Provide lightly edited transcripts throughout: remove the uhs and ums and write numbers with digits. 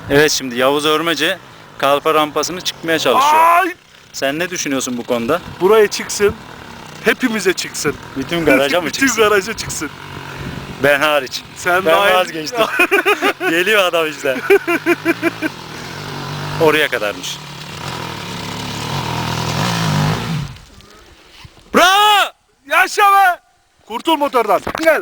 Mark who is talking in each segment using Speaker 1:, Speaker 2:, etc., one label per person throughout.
Speaker 1: Evet, şimdi Yavuz Örmece kalfa rampasını çıkmaya çalışıyor.
Speaker 2: Ay!
Speaker 1: Sen ne düşünüyorsun bu konuda?
Speaker 2: Buraya çıksın. Hepimize çıksın.
Speaker 1: Bütün garaja mı
Speaker 2: Bütün
Speaker 1: çıksın?
Speaker 2: garaja çıksın.
Speaker 1: Ben hariç.
Speaker 2: Sen
Speaker 1: Ben
Speaker 2: dahil.
Speaker 1: vazgeçtim. Geliyor adam işte. Oraya kadarmış. Bravo!
Speaker 2: Yaşa be! Kurtul motordan. Gel.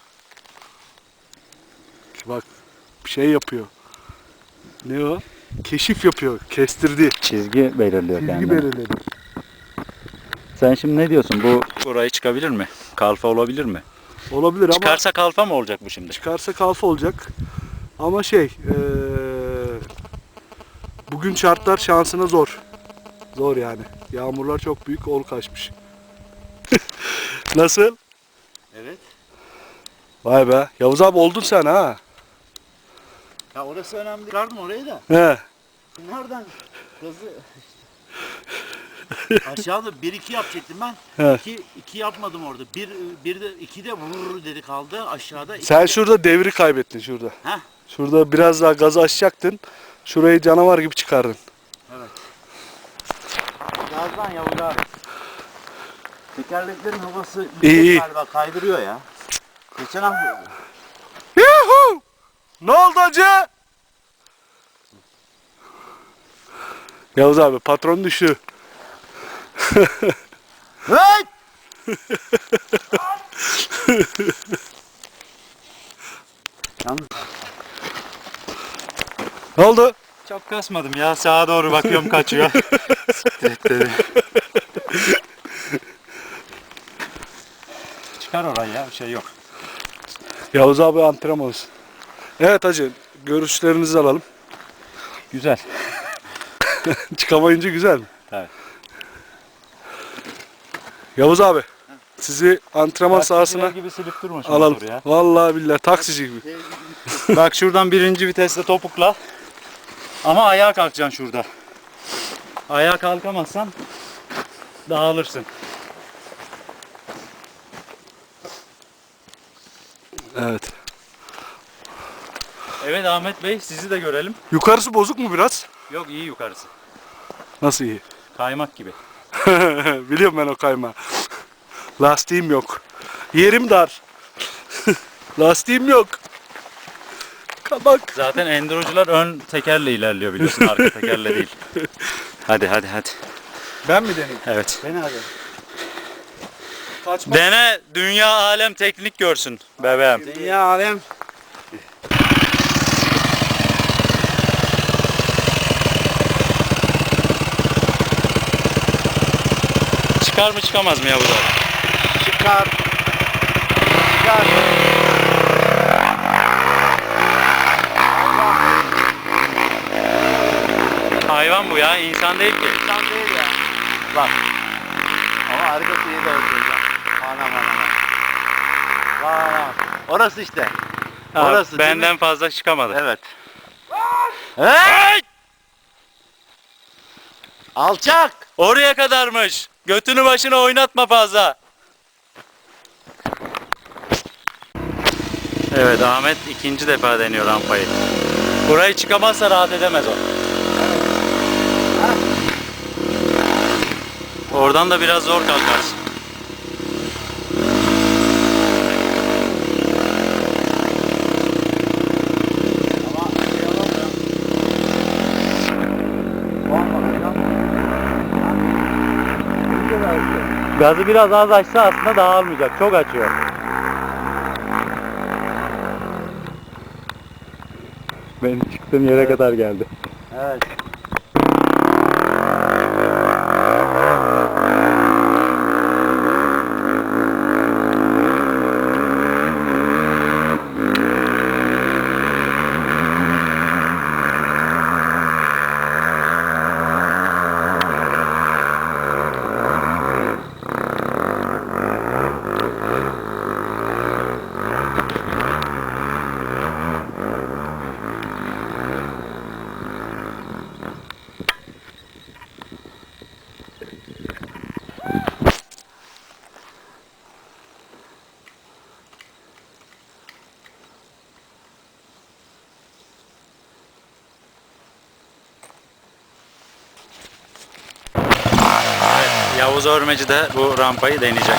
Speaker 2: Bak bir şey yapıyor. Ne o? Keşif yapıyor. Kestirdi.
Speaker 1: Çizgi belirliyor
Speaker 2: Çizgi
Speaker 1: kendini.
Speaker 2: belirledi.
Speaker 1: Sen şimdi ne diyorsun? Bu burayı çıkabilir mi? Kalfa olabilir mi?
Speaker 2: Olabilir ama
Speaker 1: Çıkarsa kalfa mı olacak bu şimdi?
Speaker 2: çıkarsa kalfa olacak. Ama bugün şartlar şansına zor. Zor yani. Yağmurlar çok büyük, ol kaçmış. Nasıl?
Speaker 3: Evet.
Speaker 2: Vay be. Yavuz abi oldun sen ha.
Speaker 3: Ya orası önemli. Çıkardım orayı da.
Speaker 2: He.
Speaker 3: Nereden gazı aşağıda 1-2 yapacaktım ben.
Speaker 2: He.
Speaker 3: 2 yapmadım orada. Bir de 2 de vurur dedi kaldı aşağıda.
Speaker 2: Sen şurada devri kaybettin şurada.
Speaker 3: Heh.
Speaker 2: Şurada biraz daha gazı açacaktın. Şurayı canavar gibi çıkardın.
Speaker 3: Evet. Gazdan Yavuz abi. Tekerleklerin havası
Speaker 2: İyi.
Speaker 3: galiba kaydırıyor ya. Geçen hafta
Speaker 2: Yuhu! Ne oldu hacı? Yavuz abi patron düştü.
Speaker 3: hey! Yalnız
Speaker 2: Ne oldu?
Speaker 1: Çok kasmadım ya. Sağa doğru bakıyorum kaçıyor. Siktir et dedi. Çıkar orayı ya. Bir şey yok.
Speaker 2: Yavuz abi antrenmanız. Evet hacı görüşlerinizi alalım.
Speaker 1: Güzel.
Speaker 2: Çıkamayınca güzel mi?
Speaker 1: Evet.
Speaker 2: Yavuz abi sizi antrenman sahasına
Speaker 1: gibi silip durma şu
Speaker 2: alalım.
Speaker 1: motoru ya.
Speaker 2: Vallahi billahi taksici gibi.
Speaker 1: Bak şuradan birinci viteste topukla. Ama ayağa kalkacaksın şurada. Ayağa kalkamazsan dağılırsın.
Speaker 2: Evet.
Speaker 1: Evet Ahmet Bey, sizi de görelim.
Speaker 2: Yukarısı bozuk mu biraz?
Speaker 1: Yok, iyi yukarısı.
Speaker 2: Nasıl iyi?
Speaker 1: Kaymak gibi.
Speaker 2: Biliyorum ben o kayma. Lastiğim yok. Yerim dar. Lastiğim yok. Kabak.
Speaker 1: Zaten endurocular ön tekerle ilerliyor biliyorsun, arka tekerle değil. Hadi.
Speaker 2: Ben mi deneyim?
Speaker 1: Evet.
Speaker 3: beni hadi.
Speaker 2: Kaçma.
Speaker 1: Dene, dünya alem teknik görsün bebeğim.
Speaker 3: Dünya alem.
Speaker 1: Çıkar mı çıkamaz mı Yavuz abi?
Speaker 3: Çıkar. Çıkar.
Speaker 1: Hayvan bu ya, insan değil ki.
Speaker 3: İnsan değil ya. Bak. Ama harika şeyi de olacak. Anam. Orası işte.
Speaker 1: Ha,
Speaker 3: Orası değil
Speaker 1: benden
Speaker 3: mi?
Speaker 1: fazla çıkamadı.
Speaker 3: Evet. Hey! Alçak!
Speaker 1: Oraya kadarmış. Götünü başına oynatma fazla. Evet, Ahmet ikinci defa deniyor rampayı. Burayı çıkamazsa rahat edemez o. Oradan da biraz zor kalkarsın.
Speaker 3: Ama şey olamıyor. Olmadı ya.
Speaker 1: Gazı biraz az açsa aslında dağılmayacak. Çok açıyor. Benim çıktığım yere kadar geldi.
Speaker 3: Evet.
Speaker 1: Yavuz Örmeci de bu rampayı deneyecek.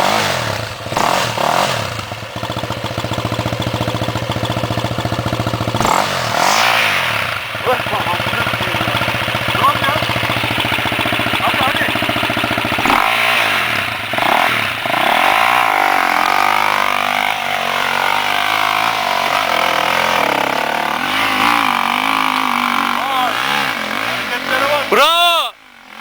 Speaker 2: Tamam ya. Hadi hadi. Vay. Hareketlere bak.
Speaker 1: Bravo!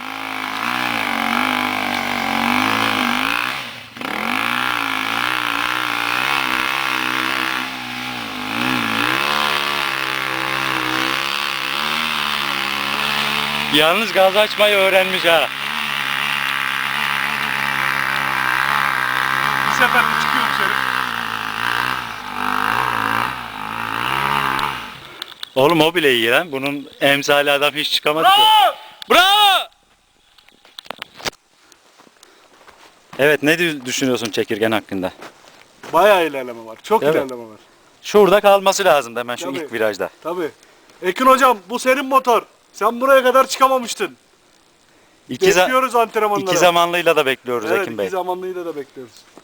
Speaker 1: Yalnız gaz açmayı öğrenmiş ha.
Speaker 2: Bir sefer de çıkıyor dışarı.
Speaker 1: Oğlum o bile iyi lan. Bunun emsali adam hiç çıkamadı ki.
Speaker 2: Bravo!
Speaker 1: Bravo! Evet, ne düşünüyorsun çekirgen hakkında?
Speaker 2: Bayağı ilerleme var. Çok
Speaker 1: Evet.
Speaker 2: ilerleme var.
Speaker 1: Şurada kalması lazım hemen şu
Speaker 2: Tabii.
Speaker 1: ilk virajda.
Speaker 2: Tabii. Ekin hocam bu senin motor. Sen buraya kadar çıkamamıştın.
Speaker 1: İki
Speaker 2: Bekliyoruz antrenmanlara.
Speaker 1: zamanlıyla da bekliyoruz
Speaker 2: Evet,
Speaker 1: Ekin Bey.
Speaker 2: iki zamanlıyı da bekliyoruz.